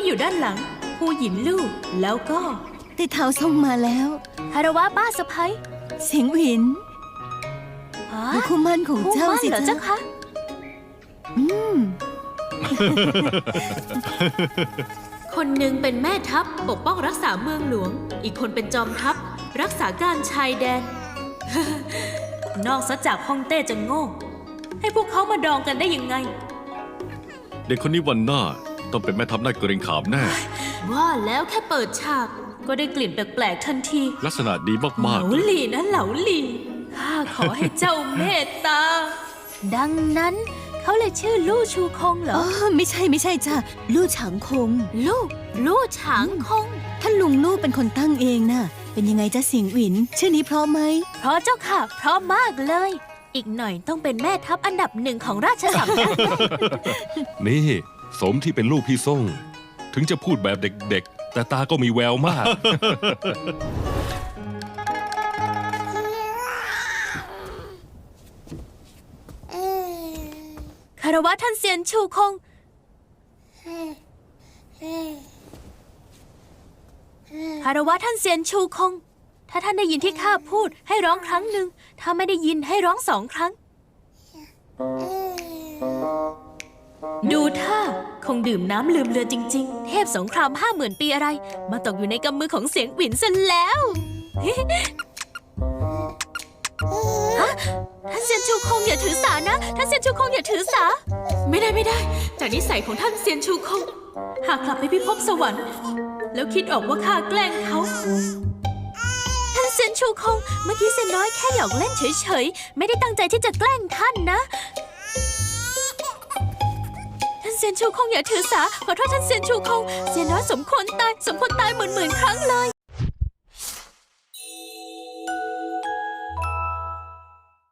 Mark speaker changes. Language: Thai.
Speaker 1: อยู่ด้านหลังผู้หญินลู่แล้วก็
Speaker 2: ไต้เท้าส่งมาแล้ว
Speaker 3: คารวะป้าสะพ้ย
Speaker 2: เสียงหวินดูคู่มั่นของ
Speaker 3: คู่
Speaker 2: เจ้า
Speaker 3: มั่น
Speaker 2: สิ
Speaker 3: เหรอเจ้าคะ
Speaker 1: คนหนึ่งเป็นแม่ทัพปกป้องรักษาเมืองหลวงอีกคนเป็นจอมทัพรักษาการชายแดน นอกจากฮ่องเต้จะโง่ให้พวกเขามาดองกันได้ยังไง
Speaker 4: เด็กคนนี้วันหน้าต้องเป็นแม่ทัพหน้าเกรงขามแน่
Speaker 1: ว่าแล้วแค่เปิดฉากก็ได้กลิ่นแปลกๆทันที
Speaker 4: ลักษณะดี
Speaker 1: เห
Speaker 4: มา
Speaker 1: ลาก หลีนะเหลาหลีข้าขอให้เจ้าเมตตา
Speaker 3: ดังนั้นเขาเลยชื่อลู่ชูคงเหร
Speaker 2: อ๋
Speaker 3: อ
Speaker 2: อไม่ใช่จ้ะลู่ฉางคง
Speaker 3: ลู่ฉางคง
Speaker 2: ท่านลุงลู่เป็นคนตั้งเองน่ะ เป็นยังไงจ๊ะเสียงหวิน ชื่อนี้เพราะไหม
Speaker 3: เพราะเจ้าค่ะเพราะมากเลย อีกหน่อยต้องเป็นแม่ทัพอันดับหนึ่งของราชสำนัก
Speaker 5: นี่สมที่เป็นลูกพี่ส่ง ถึงจะพูดแบบเด็กๆ แต่ตาก็มีแววมาก
Speaker 3: คารวะท่านเซียนชูคง คารวะท่านเซียนชูคง ถ้าท่านได้ยินที่ข้าพูดให้ร้องครั้งหนึ่ง ถ้าไม่ได้ยินให้ร้อง2 ครั้ง
Speaker 1: ดูท่าคงดื่มน้ำลืมเรือจริงๆ
Speaker 3: เทพสงคราม50,000 ปีอะไร มาตกอยู่ในกำมือของเสียงหวินซะแล้ว ฮะท่านเซียนชูคงอย่าถือสานะ ท่านเซียนชูคงอย่าถือสา
Speaker 1: ไม่ได้จากนิสัยของท่านเซียนชูคงหากกลับไปพิภพสวรรค์ แล้วคิดออกว่าข้าแกล้งเขา
Speaker 3: ท่านเซียนชูคง เมื่อกี้เซียนน้อยแค่หยอกเล่นเฉยๆ ไม่ได้ตั้งใจที่จะแกล้งท่านนะ ท่านเซียนชูคงอย่าถือสา ขอโทษท่านเซียนชูคง เซียนน้อยสมควรตายหมื่นครั้งเลย